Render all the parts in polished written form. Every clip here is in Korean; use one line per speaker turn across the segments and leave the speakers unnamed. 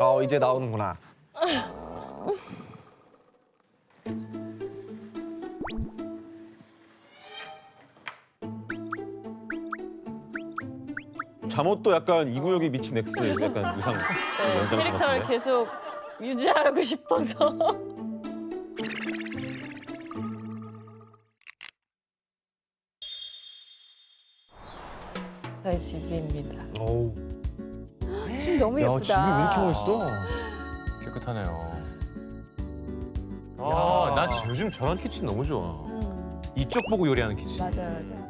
이제 나오는구나. 잠옷도 약간 이구역이 미친 X 약간 의상
네,
연장
캐릭터를
같은데?
계속 유지하고 싶어서. 저희 집입니다.
어우.
지금 너무
야,
예쁘다.
집이 왜 이렇게 멋있어?
깨끗하네요. 아, 난 요즘 저런 키친 너무 좋아. 이쪽 보고 요리하는 키친.
맞아요, 맞아요.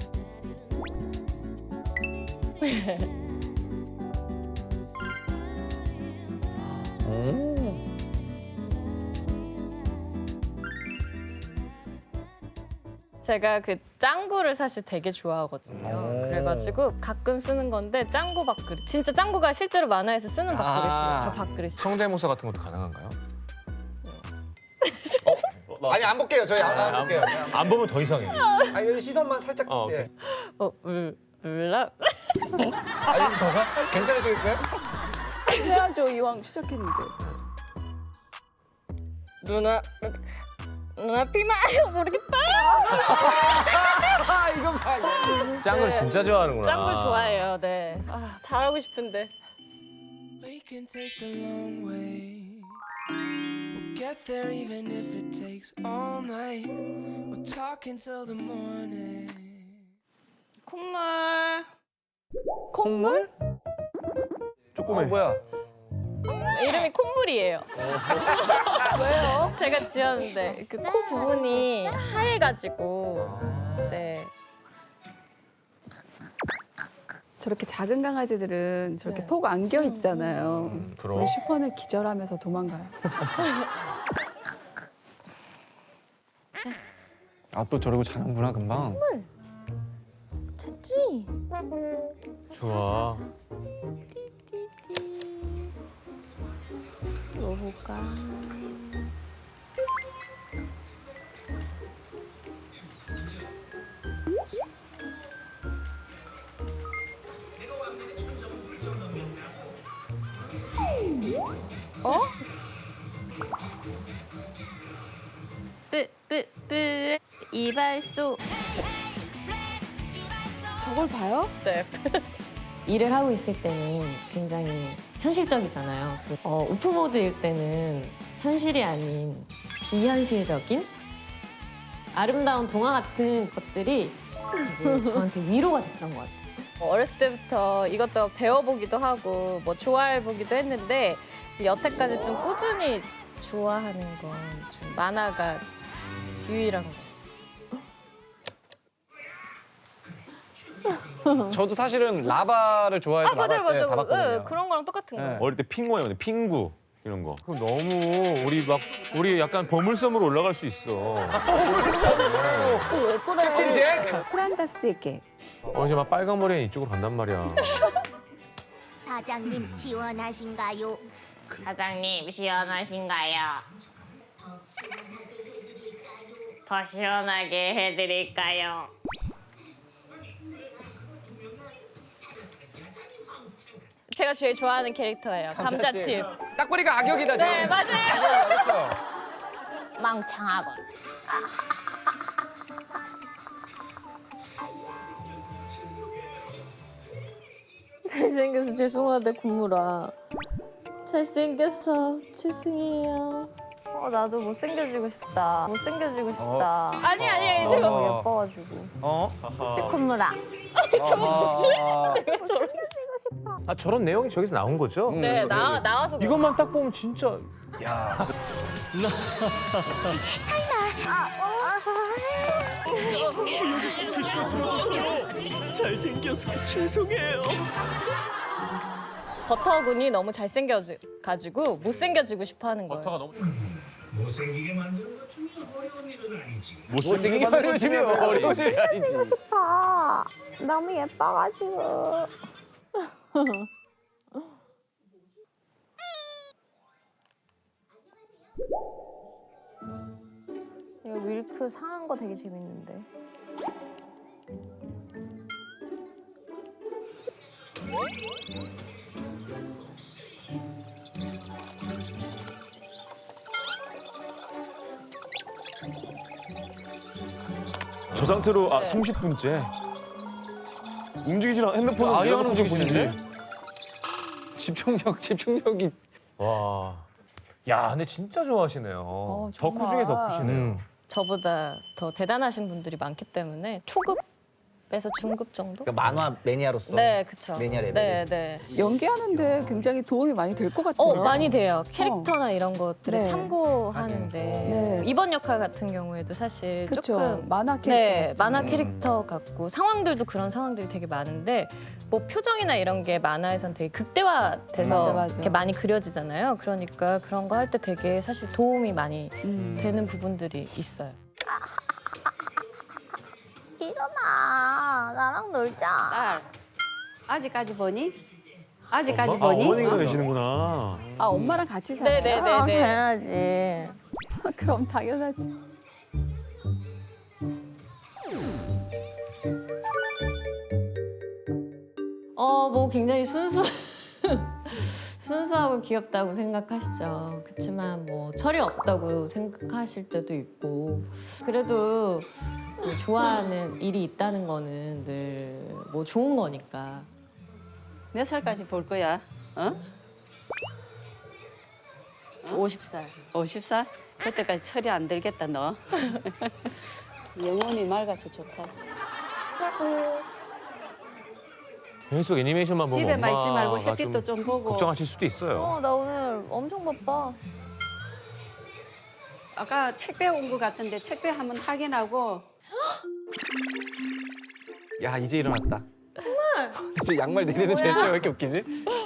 오.
제가 그 짱구를 사실 되게 좋아하거든요. 그래가지고 가끔 쓰는 건데 짱구 밥그릇. 진짜 짱구가 실제로 만화에서 쓰는 밥그릇이에요. 저 밥그릇이.
성대모사 같은 것도 가능한가요?
아니 안 볼게요. 저희 안 볼게요.
안 보면 더 이상해.
아 여기 시선만 살짝.
오케이.
예.
울라.
아 여기 더 가? 괜찮으시겠어요?
해야죠, 이왕 시작했는데.
누나 피마요 모르겠다.
아 이건 봐.
짱을 진짜 좋아하는구나.
짱구 좋아해요. 네. 아, 잘하고 싶은데.
We can take the long way. We'll get there even if it takes all night. We'll talk until the morning.
콧물.
콩물?
조그매. 뭐야?
이름이 콧물이에요.
왜요?
제가 지었는데 그 코 부분이 하얘가지고. 네.
저렇게 작은 강아지들은 저렇게 폭 안겨 있잖아요.
그럼.
우리 슈퍼는 기절하면서 도망가요.
아, 또 저러고 자는구나, 금방.
됐지?
좋아.
먹어볼까?
어?
뿌 이발소.
저걸 봐요?
네.
일을 하고 있을 때는 굉장히 현실적이잖아요. 오프보드일 때는 현실이 아닌 비현실적인 아름다운 동화 같은 것들이 되게 저한테 위로가 됐던 것 같아요.
어렸을 때부터 이것저것 배워보기도 하고 뭐 좋아해보기도 했는데 여태까지 좀 꾸준히 좋아하는 건 좀 만화가 유일한 거.
저도 사실은 라바를 좋아해서 라바 때
맞아요.
봐봤거든요.
그런 거랑 똑같은
네.
거예요.
어릴 때 핑거였는데 핑구 이런 거.
그럼 너무 우리 약간 보물섬으로 올라갈 수 있어.
왜 그래?
캡틴 잭.
프란다스의 개.
이제 막 빨간 머리는 이쪽으로 간단 말이야.
사장님 시원하신가요?
사장님 시원하신가요? 더 시원하게 해드릴까요? 제가 제일 좋아하는 캐릭터예요. 감자칩.
딱 보니까 악역이다 지금.
네, 맞아요.
그렇죠.
망창하건. 잘생겨서 죄송하대 콧물아. 잘생겨서 죄송해요.
나도 못생겨지고 싶다. 못생겨지고 싶다.
아니 제가
너무 예뻐가지고. 콧물아.
아 저런 내용이 저기서 나온 거죠?
네, 나와서
이것만 딱 보면 진짜
버터군이 너무 잘생겨가지고 못생겨지고 싶어하는 거예요.
버터가 너무
못생기게 만드는 것 중에 어려운 일은 아니지.
못생기게 만들어주면 어려운 일이 아니지.
너무 예뻐가지고. 이거 밀크 상한 거 되게 재밌는데.
저 상태로
네.
30분째 움직이지 않아. 핸드폰은
아예 안
내려놓고
움직이시는데?
보시지.
집중력이.
와. 야, 근데 진짜 좋아하시네요. 덕후
정말.
중에 덕후시네요.
저보다 더 대단하신 분들이 많기 때문에 초급에서 중급 정도?
그러니까 만화 매니아로서.
네, 그쵸.
매니아 레벨.
네, 네.
연기하는데 굉장히 도움이 많이 될 것 같아요.
많이 돼요. 캐릭터나 이런 것들을
네.
참고하는데
네.
이번 역할 같은 경우에도 사실
그쵸.
조금
만화 캐릭터.
네,
같죠.
만화 캐릭터 같고 상황들도 그런 상황들이 되게 많은데 뭐 표정이나 이런 게 만화에선 되게 극대화돼서
맞아, 맞아.
이렇게 많이 그려지잖아요. 그러니까 그런 거 할 때 되게 사실 도움이 많이 되는 부분들이 있어요.
일어나. 나랑 놀자.
딸, 아직까지 보니? 아직까지
아,
보니?
어머니가 계시는구나.
아, 엄마랑 같이 살아요?
네네네네.
당연하지.
그럼 당연하지.
뭐 굉장히 순수하고 귀엽다고 생각하시죠. 그렇지만 뭐 철이 없다고 생각하실 때도 있고 그래도 뭐 좋아하는 일이 있다는 거는 늘 뭐 좋은 거니까.
몇 살까지 볼 거야? 어?
50살.
50살? 그때까지 철이 안 들겠다, 너. 영혼이 맑아서 좋다.
계속 애니메이션만 보면
집에만 있지 말고
엄마가
햇빛도 좀 보고.
걱정하실 수도 있어요.
나 오늘 엄청 바빠.
아까 택배 온 거 같은데 택배 한번 확인하고.
야 이제 일어났다. 정말. 이제 양말 내리는 제스처 왜 이렇게 웃기지?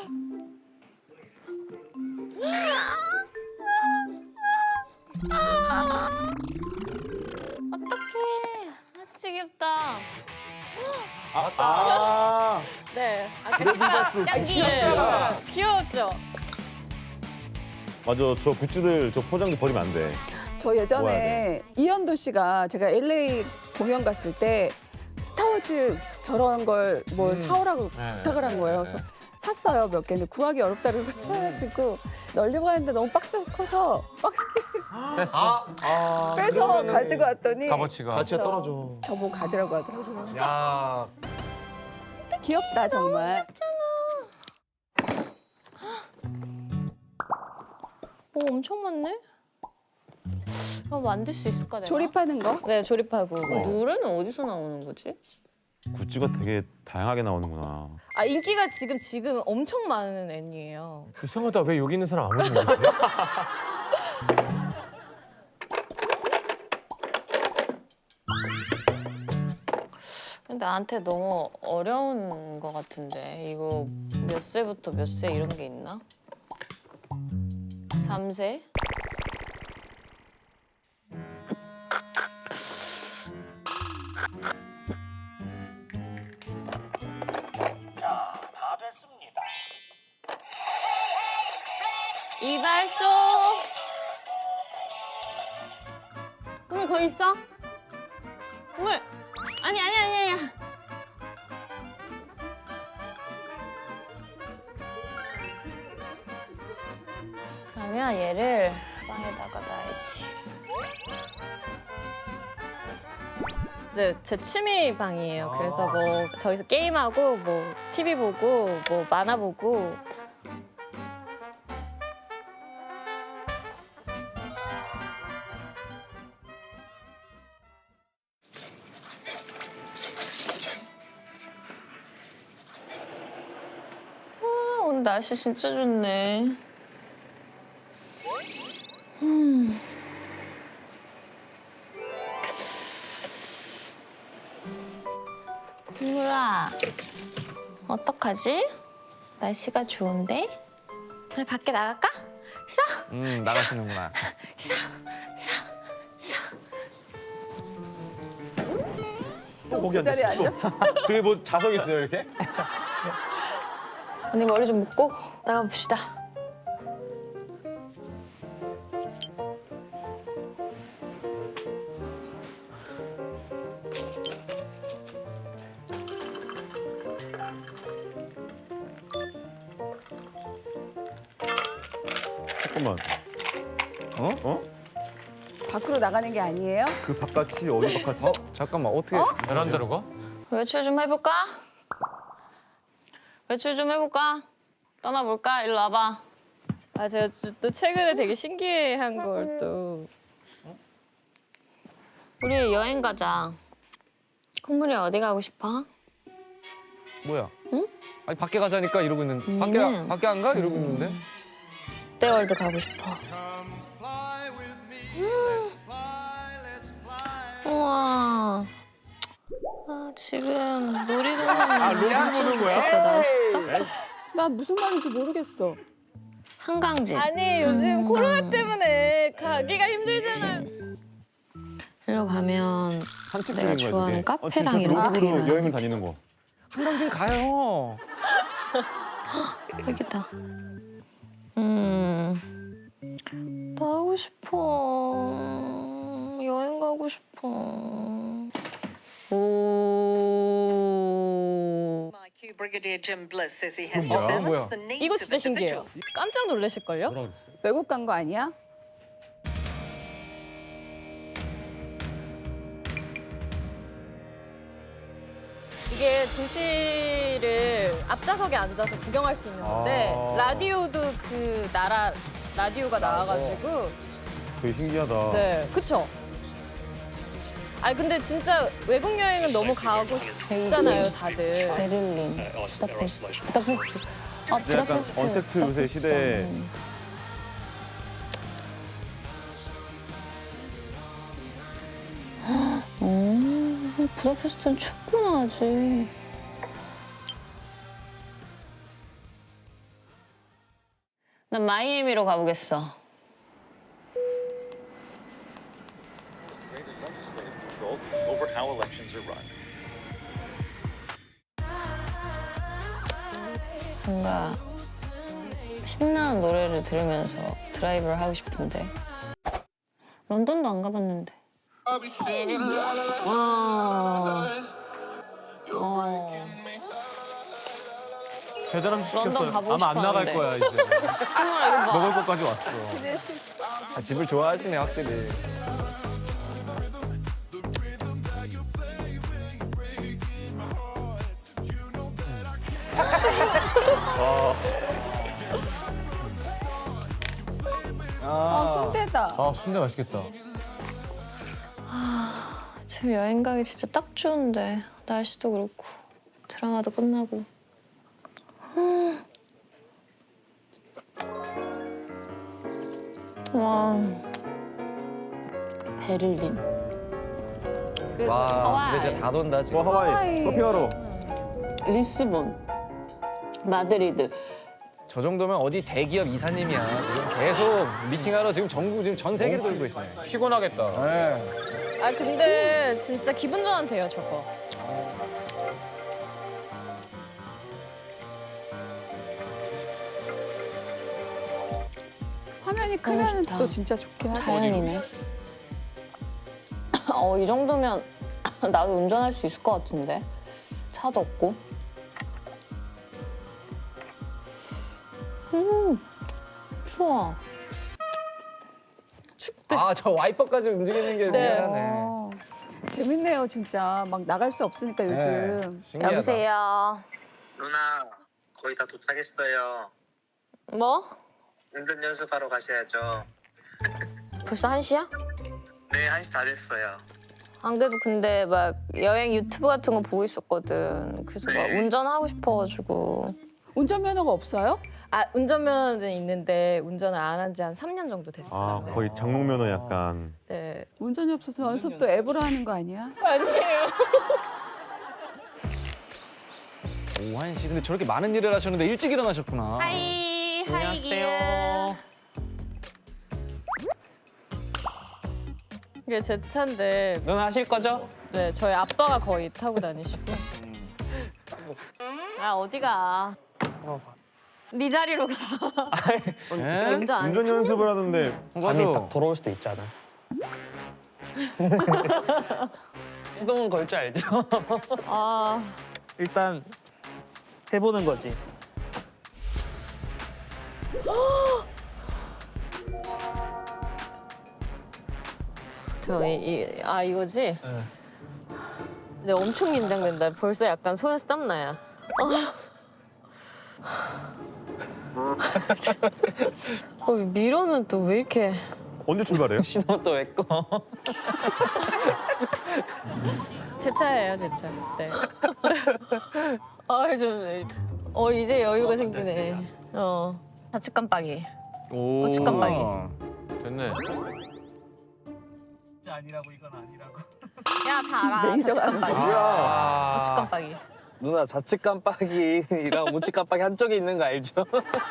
어떡해. 진짜 귀엽다. 네. 짱 귀여워. 귀여웠죠?
맞아, 저 굿즈들, 저 포장도 버리면 안 돼.
저
모아야
예전에 이현도 씨가 제가 LA 공연 갔을 때 스타워즈 저런 걸 뭘 사오라고 부탁을 한 거예요. 그래서 샀어요, 몇 개는. 구하기 어렵다 그래서 사가지고 널려고 하는데 너무 박스가 커서 박스
됐어.
빼서 가지고 왔더니
값어치가.
가치가 떨어져.
저보고 가지라고 하더라고요.
야.
귀엽다, 정말.
엄청 많네? 만들 수 있을까, 내가?
조립하는 거?
네, 조립하고. 노래는 어디서 나오는 거지?
굿즈가 되게 다양하게 나오는구나.
인기가 지금 엄청 많은 애니예요.
이상하다. 왜 여기 있는 사람 아무도 모르지?
근데 나한테 너무 어려운 거 같은데 이거 몇 세부터 몇 세 이런 게 있나? 3세?
다 됐습니다.
이발소. 우물 거기 있어? 우물. 아니. 그러면 얘를 방에다가 놔야지. 이제 제 취미 방이에요. 그래서 뭐 저기서 게임하고 뭐 TV 보고 뭐 만화 보고. 오늘 날씨 진짜 좋네. 유라, 어떡하지? 날씨가 좋은데? 우리 밖에 나갈까? 싫어?
나가시는구나.
또 제자리에 앉았어.
저기 뭐 자석 있어요, 이렇게?
언니 머리 좀 묶고 나가봅시다.
잠깐만. 어?
밖으로 나가는 게 아니에요?
그 바깥이 어디 바깥이?
잠깐만 어떻게?
베란다로 가?
외출 좀 해볼까? 외출 좀 해볼까? 떠나볼까? 일로 와봐. 아 제가 또 최근에 되게 신기한 걸 또. 우리 여행 가자. 콧물이 어디 가고 싶어?
뭐야?
응?
아니 밖에 가자니까 이러고 있는데
언니는-
밖에 안 가? 이러고 있는데.
롯데월드 가고 싶어. 우와. 아 지금 놀이동산
롤 보는 거야?
날씨 딱 좋.
나 무슨 말인지 모르겠어.
한강지.
아니 요즘 코로나 때문에 가기가 힘들잖아요.
일로 가면
산책
내가
중인 거야,
좋아하는
저게.
카페랑
진짜
이런 거 되게
로드로
많아.
여행을 다니는 거.
한강진 가요.
여기다. 나가고 싶어. 여행 가고 싶어. 오.
Brigadier Jim Bliss says he
has
has
to
to
balance
balance
뭐야?
the needs
이거
of
진짜 신기해요.
individuals.
깜짝 놀라실걸요?
뭐라 그랬어?
외국 간 거 아니야?
이게 도시를 앞좌석에 앉아서 구경할 수 있는 건데
아.
라디오도 그 나라 라디오가 나와가지고
되게 신기하다.
네, 그쵸? 아니 근데 진짜 외국 여행은 너무 가고 싶잖아요, 다들.
베를린, 부다페스트. 부다페스트. 아
이제 약간
부다페스트.
언택트 요새 시대에
부다페스트는 춥구나 아직. 난 마이애미로 가보겠어.
over how elections are run.
뭔가 신나는 노래를 들으면서 드라이브를 하고 싶은데. 런던도 안 가봤는데.
대단한
런던
시켰어요.
가보고
아마 안 나갈
싶었는데.
거야 이제.
정말 이거 봐.
먹을 것까지 왔어.
아, 집을 좋아하시네 확실히.
순대다.
아 순대 맛있겠다.
지금 여행 가기 진짜 딱 좋은데 날씨도 그렇고 드라마도 끝나고. 와 베를린.
와,
하와이.
근데 진짜 다 돈다 지금.
하와이 서핑하러.
리스본, 마드리드.
저 정도면 어디 대기업 이사님이야. 지금 계속 미팅하러 지금 전국 지금 전 세계를 돌고 있어요.
피곤하겠다.
네.
아 근데 진짜 기분 전환돼요, 저거.
화면이 크면
좋다.
또 진짜 좋긴 하다.
자연이네. 이 정도면 나도 운전할 수 있을 것 같은데. 차도 없고. 좋아.
아, 저 와이퍼까지 움직이는 게
네.
미안하네.
재밌네요, 진짜. 막 나갈 수 없으니까 요즘.
신기하다.
여보세요.
누나 거의 다 도착했어요.
뭐?
운전 연습하러 가셔야죠.
벌써 1시야?
네, 1시 다 됐어요.
안 그래도 근데 막 여행 유튜브 같은 거 보고 있었거든. 그래서 막
네.
운전하고 싶어가지고.
운전면허가 없어요?
아 운전면허는 있는데 운전을 안 한 지 한 3년 정도 됐어요.
아
네.
거의 장롱면허 약간.
네.
운전이 없어서 연습도 앱으로 하는 거 아니야?
아니에요.
오한 씨, 근데 저렇게 많은 일을 하셨는데 일찍 일어나셨구나.
하이 하이기요. 이게 제 차인데.
넌 하실 거죠?
네, 저희 아빠가 거의 타고 다니시고. 아 어디가? 네 자리로 가.
네?
운전 안
운전 연습을 하는데
맞아.
돌아올 수도 있잖아. 시동은 걸 줄 알죠?
아
일단 해보는 거지.
이거지? 근데 엄청 긴장된다. 벌써 약간 손에서 땀나요. 미로는 또 왜 이렇게
언제 출발해요?
신호 또 왜 꺼?
제 차예요, 제 차. 네. 이제 여유가 생기네. 좌측 깜빡이.
오.
우측 깜빡이.
됐네.
진짜 아니라고 이건 아니라고.
야, 다 알아.
매니저가
좌측 깜빡이.
아.
우측 깜빡이.
누나 좌측 깜빡이랑 우측 깜빡이 한쪽에 있는 거 알죠?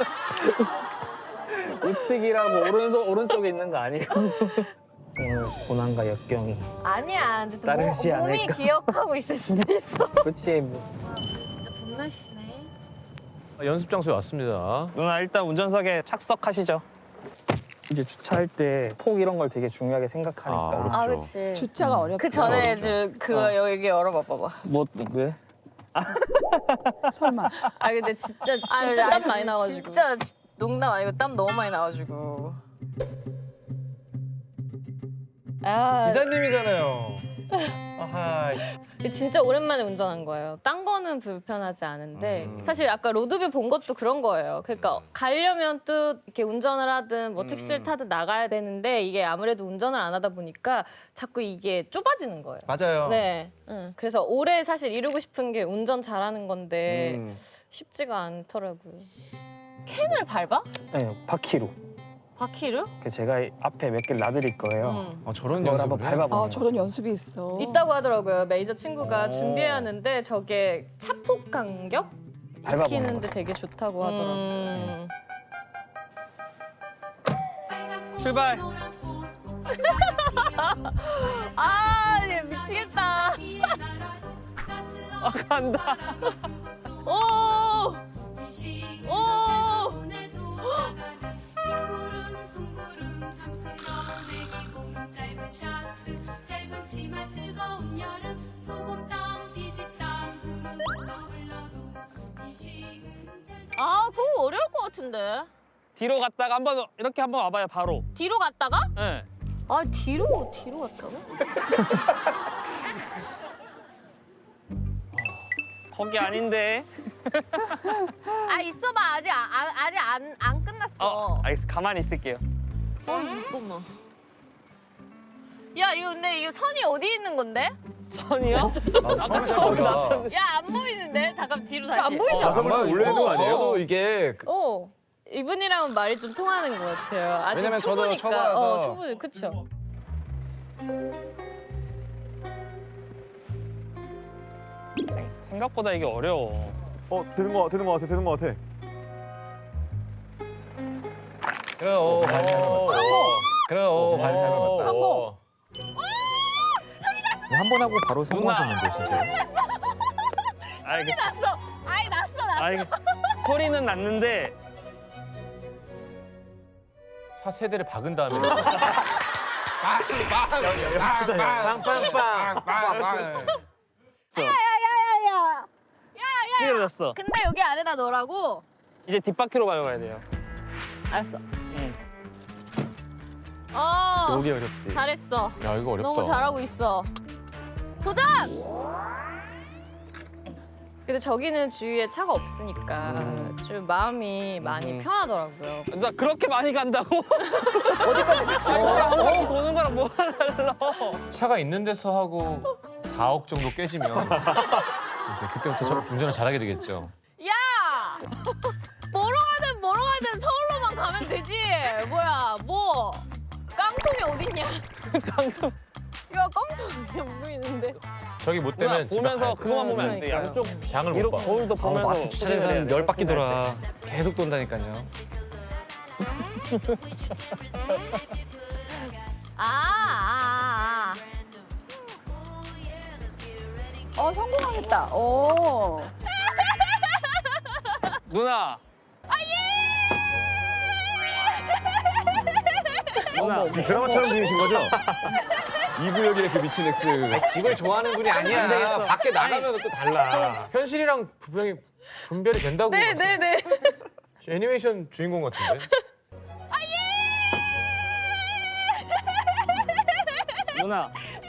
우측이라고 오른쪽에 있는 거 아니에요? 오늘 고난과 역경이.
아니야. 근데 또
따르지
몸이
않을까?
기억하고 있을 수도 있어.
그렇지.
진짜 봄날씨네.
연습 장소에 왔습니다.
누나 일단 운전석에 착석하시죠. 이제 주차할 때 폭 이런 걸 되게 중요하게 생각하니까.
아, 그렇지.
주차가 어렵다.
그 전에 그거 여기 열어봐 봐봐.
뭐 왜?
설마.
근데 진짜 땀 많이 나가지고. 진짜 농담 아니고 땀 너무 많이 나가지고.
기사님이잖아요. 아하.
진짜 오랜만에 운전한 거예요. 딴 거는 불편하지 않은데 사실 아까 로드뷰 본 것도 그런 거예요. 그러니까 가려면 또 이렇게 운전을 하든 뭐 택시를 타든 나가야 되는데 이게 아무래도 운전을 안 하다 보니까 자꾸 이게 좁아지는 거예요.
맞아요.
네. 그래서 올해 사실 이루고 싶은 게 운전 잘하는 건데 쉽지가 않더라고요. 캔을 밟아?
네, 바퀴로.
바퀴를?
제가 앞에 몇 개를 놔드릴 거예요.
저런
그걸 한번
연습을
밟아보는
저런 연습이 있어.
있다고 하더라고요. 매니저 친구가 준비해야 하는데 저게 차폭 간격?
밟아보는
익히는데 되게 좋다고 하더라고요.
출발.
얘 미치겠다.
간다.
오! 그거 어려울 것 같은데.
뒤로 갔다가 이렇게 한번 와봐요, 바로.
뒤로 갔다가?
네.
뒤로 갔다가?
거기 아닌데.
있어봐. 아직 안 끝났어.
알겠어. 가만히 있을게요.
잠깐만. 야, 이거 선이 어디 있는 건데?
선이요?
야, 안 보이는데? 잠깐 뒤로 다시. 안 보이지?
자석을 좀 올려야 되는 거 아니에요?
저도 이게
이분이랑은 말이 좀 통하는 것 같아요. 아직
왜냐면 저도
초보니까.
초보라서.
초보, 그쵸?
생각보다 이게 어려워.
되는 거 같아.
그래요. 그래요. 발 잘 밟았다.
성공.
한 번 하고 바로 성공하셨는데 진짜로.
났어. 났어.
소리는 났는데
차 세대를 박은 다음에
찌그러졌어.
근데 여기 안에다 넣으라고?
이제 뒷바퀴로 밟아야 돼요.
알았어.
응.
여기 어렵지.
잘했어.
야 이거 어렵다.
너무 잘하고 있어. 도전! 근데 저기는 주위에 차가 없으니까 좀 마음이 많이 편하더라고요.
나 그렇게 많이 간다고? 어디까지? 한 바퀴 도는 거랑 뭐가 달라?
차가 있는 데서 하고 4억 정도 깨지면 이제 그때부터 운전을 잘하게 되겠죠.
야! 뭐로 가든 서울로만 가면 되지. 뭐야, 깡통이 어딨냐?
깡통.
야, 깡통이 안 보이는데.
저기 못 되면 집에
보면서
가야 돼.
그거만 보면 안 돼.
그러니까요.
양쪽
장을
위로
못 봐.
거울도 보면서
마트 주차장에서 한 10바퀴 돌아. 계속 돈다니까요.
성공하겠다.
누나. 누나.
지금 드라마 촬영 중이신 거죠? 이 구역의 그 미친 X.
집을 좋아하는 분이
안
아니야.
되겠어.
밖에 나가면 또 달라.
현실이랑 분별이 된다고.
네네네.
애니메이션 주인공 같은데.
누나.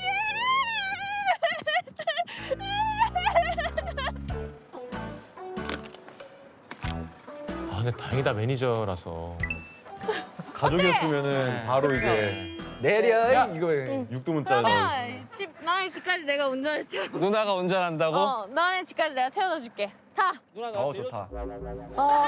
아 근데 다행이다 매니저라서.
가족이었으면은 바로 이제
내려 이거에.
육두문자 넣어.
너네 집까지 내가 운전해서 태워.
누나가 운전한다고?
너네 집까지 내가 태워다 줄게. 타.
좋다.
어.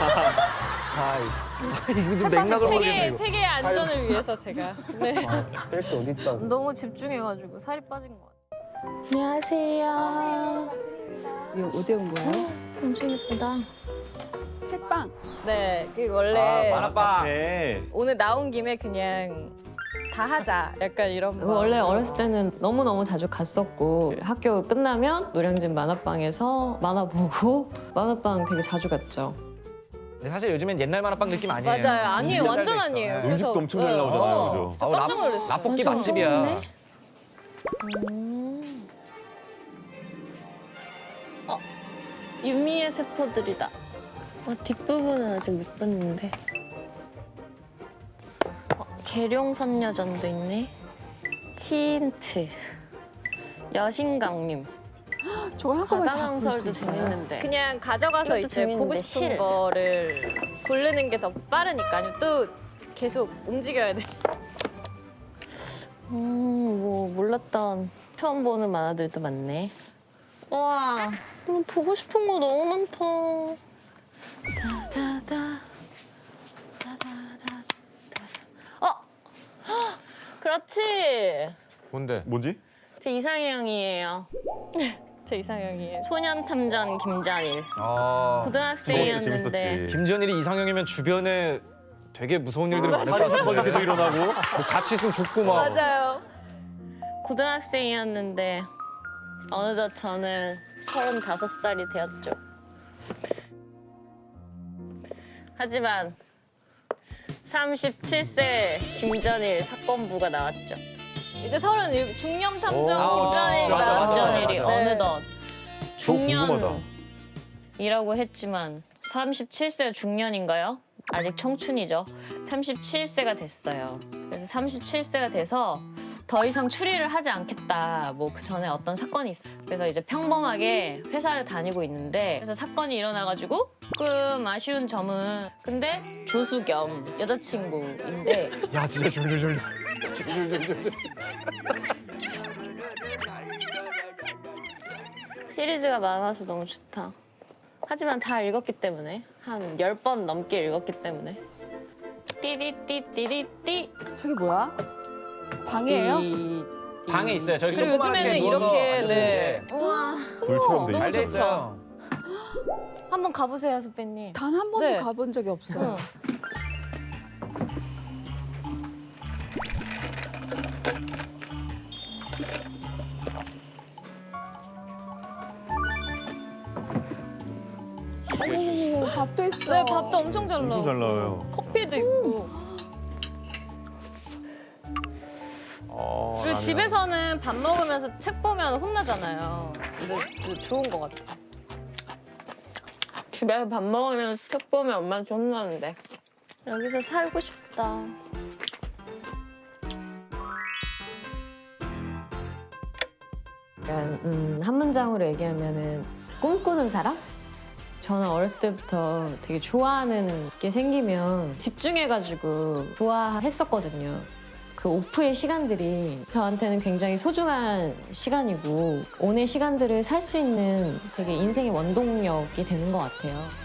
이게 무슨 맥락을 모르겠네 이거.
세계의 안전을 위해서 제가. 네.
뺄게 어디 있다.
너무 집중해가지고 살이 빠진 것 같아. 안녕하세요.
이거 어디 온 거예요?
엄청 예쁘다.
책방.
네, 그 원래
만화방.
오늘 나온 김에 그냥 다 하자. 약간 이런 거.
원래 어렸을 때는 너무너무 자주 갔었고 학교 끝나면 노량진 만화방에서 만화 보고 만화방 되게 자주 갔죠.
근데 사실 요즘엔 옛날 만화방 느낌 아니에요.
맞아요. 아니에요.
진짜
완전
잘 돼 있어.
아니에요.
네.
그래서
음식도 엄청 잘 나오잖아요, 그죠?
진짜 깜짝 놀랐어요.
라볶이
완전
맛집이야.
처음이네.
유미의 세포들이다. 뒷부분은 아직 못 봤는데. 계룡선녀전도 있네. 치인트. 여신강림.
저거 한꺼번에 다
바다강설도
볼수 있어요.
재밌는데. 그냥 가져가서
이것도
이제 보고
재밌는데,
싶은
실.
거를 고르는 게 더 빠르니까요. 또 계속 움직여야 돼.
뭐 몰랐던 처음 보는 만화들도 많네. 와, 보고 싶은 거 너무 많다. 다다다, 다다다, 그렇지.
뭔데?
뭐지?
제 이상형이에요.
제 이상형이에요.
소년탐정 김전일. 고등학생이었는데.
재밌었지.
김전일이 이상형이면 주변에 되게 무서운 일들이 많을 것
살인
같은데.
사건이 계속 일어나고.
뭐 같이 있으면 죽고 막.
맞아요.
고등학생이었는데 어느덧 저는 35살이 되었죠. 하지만 37세 김전일 사건부가 나왔죠.
이제 37 중년 탐정 김전일이
맞아, 맞아,
나왔죠.
김전일이
맞아.
어느덧
궁금하다.
중년이라고 했지만 37세 중년인가요? 아직 청춘이죠. 37세가 됐어요. 그래서 37세가 돼서 더 이상 추리를 하지 않겠다. 뭐 그 전에 어떤 사건이 있어. 그래서 이제 평범하게 회사를 다니고 있는데 그래서 사건이 일어나가지고 조금 아쉬운 점은 근데 조수 겸 여자친구인데
야 진짜 줄줄줄.
시리즈가 많아서 너무 좋다. 하지만 다 읽었기 때문에 한 10번 넘게 읽었기 때문에 띠디띠띠디띠
저게 뭐야? 방이에요?
방에 있어요. 저기
그리고 요즘에는 이렇게 네.
우와
불처럼 돼
너무
있어.
돼
좋죠.
있어요.
한번 가보세요, 선배님.
단 한 번도
네.
가본 적이 없어요. 오, 밥도 있어.
네, 밥도 엄청 잘
엄청
나오고
잘 나와요.
커피도 있고. 그리고
라면.
집에서는 밥 먹으면서 책 보면 혼나잖아요. 근데 좋은 것 같아.
집에서 밥 먹으면 책 보면 엄마한테 혼나는데 여기서 살고 싶다. 약간 한 문장으로 얘기하면은 꿈꾸는 사람? 저는 어렸을 때부터 되게 좋아하는 게 생기면 집중해가지고 좋아했었거든요. 그 오프의 시간들이 저한테는 굉장히 소중한 시간이고 오늘 시간들을 살 수 있는 되게 인생의 원동력이 되는 것 같아요.